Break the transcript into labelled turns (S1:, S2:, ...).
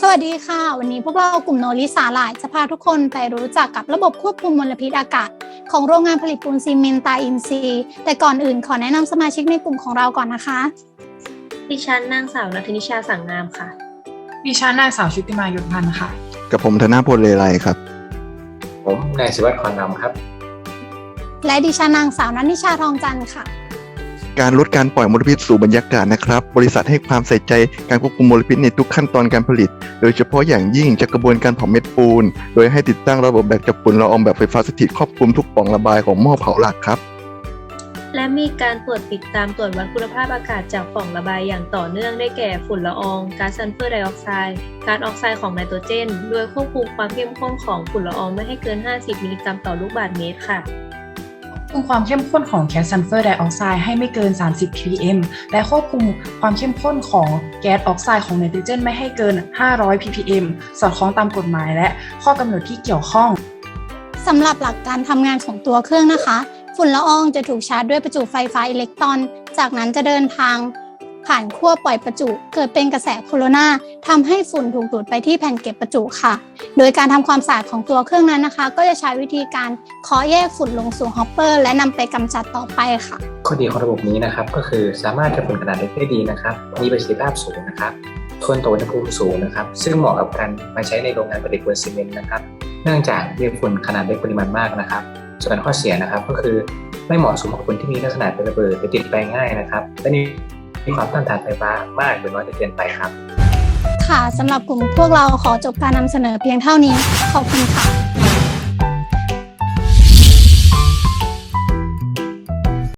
S1: วัสดีค่ะวันนี้พวกเรากลุ่มโนริสาหร่ายจะพาทุกคนไปรู้จักกับระบบควบคุมมลพิษอากาศของโรงงานผลิตปูนซีเมนต์ตาอินทรีย์แต่ก่อนอื่นขอแนะนำสมาชิกในกลุ่มของเราก่อนนะคะ
S2: ดิฉันนางสาวนัทนิชาสังงามค่ะ
S3: ดิฉันนางสาวชุติมายศพันธ์ค่ะ
S4: กับผมธนพลเลไลครับ
S5: ผมนายศิวัตรขอนำครับ
S1: และดิฉันนางสาวนัทนิชาทองจันทร์ค่ะ
S4: การลดการปล่อยมลพิษสู่บรรยากาศนะครับบริษัทให้ความใส่ใจการควบคุมมลพิษในทุกขั้นตอนการผลิตโดยเฉพาะอย่างยิ่งจากกระบวนการเผาเม็ดปูนโดยให้ติดตั้งระบบแบกจับฝุ่นละอองแบบไฟฟ้าสถิตครอบคลุมทุกปล่องระบายของหม้อเผาหลักครับ
S2: และมีการตรวจติดตามตรวจวัดคุณภาพอากาศจากปล่องระบายอย่างต่อเนื่องได้แก่ฝุ่นละอองก๊าซซัลเฟอร์ไดออกไซด์ก๊าซออกไซด์ของไนโตรเจนโดยควบคุมความเข้มข้นของฝุ่นละอองไม่ให้เกิน50มิลลิกรัมต่อลูกบาศก์เมตรค่ะ
S3: ควบคุมความเข้มข้นของแก๊สซัลเฟอร์ไดออกไซด์ให้ไม่เกิน30 ppm และควบคุมความเข้มข้นของแก๊สออกไซด์ของไนโตรเจนไม่ให้เกิน500 ppm สอดคล้องตามกฎหมายและข้อกำหนดที่เกี่ยวข้อง
S1: สำหรับหลักการทำงานของตัวเครื่องนะคะฝุ่นละอองจะถูกชาร์จด้วยประจุไฟฟ้าอิเล็กตรอนจากนั้นจะเดินทางผ่านขั้วปล่อยประจุเกิดเป็นกระแสโคโรนาทำให้ฝุ่นถูกดูดไปที่แผ่นเก็บประจุค่ะโดยการทำความสะอาดของตัวเครื่องนั้นนะคะก็จะใช้วิธีการเคาะแยกฝุ่นลงสู่ฮอปเปอร์และนำไปกำจัดต่อไปค่ะ
S5: ข้อดีของระบบนี้นะครับก็คือสามารถจับฝุ่นขนาดเล็กได้ดีนะครับมีประสิทธิภาพสูงนะครับทนต่ออุณหภูมิสูงนะครับซึ่งเหมาะกับการมาใช้ในโรงงานผลิตปูนซีเมนต์นะครับเนื่องจากมีฝุ่นขนาดเล็กปริมาณมากนะครับส่วนข้อเสียนะครับก็คือไม่เหมาะสมกับคนที่มีลักษณะเป็นระเบิดหรือติดไฟง่ายนะครับและมีความต้านทานไฟฟ้ามากหรือน้อยจนเกินไปครับ
S1: ค่ะสำหรับกลุ่มพวกเราขอจบการนำเสนอเพียงเท่านี้ขอบคุณค่ะ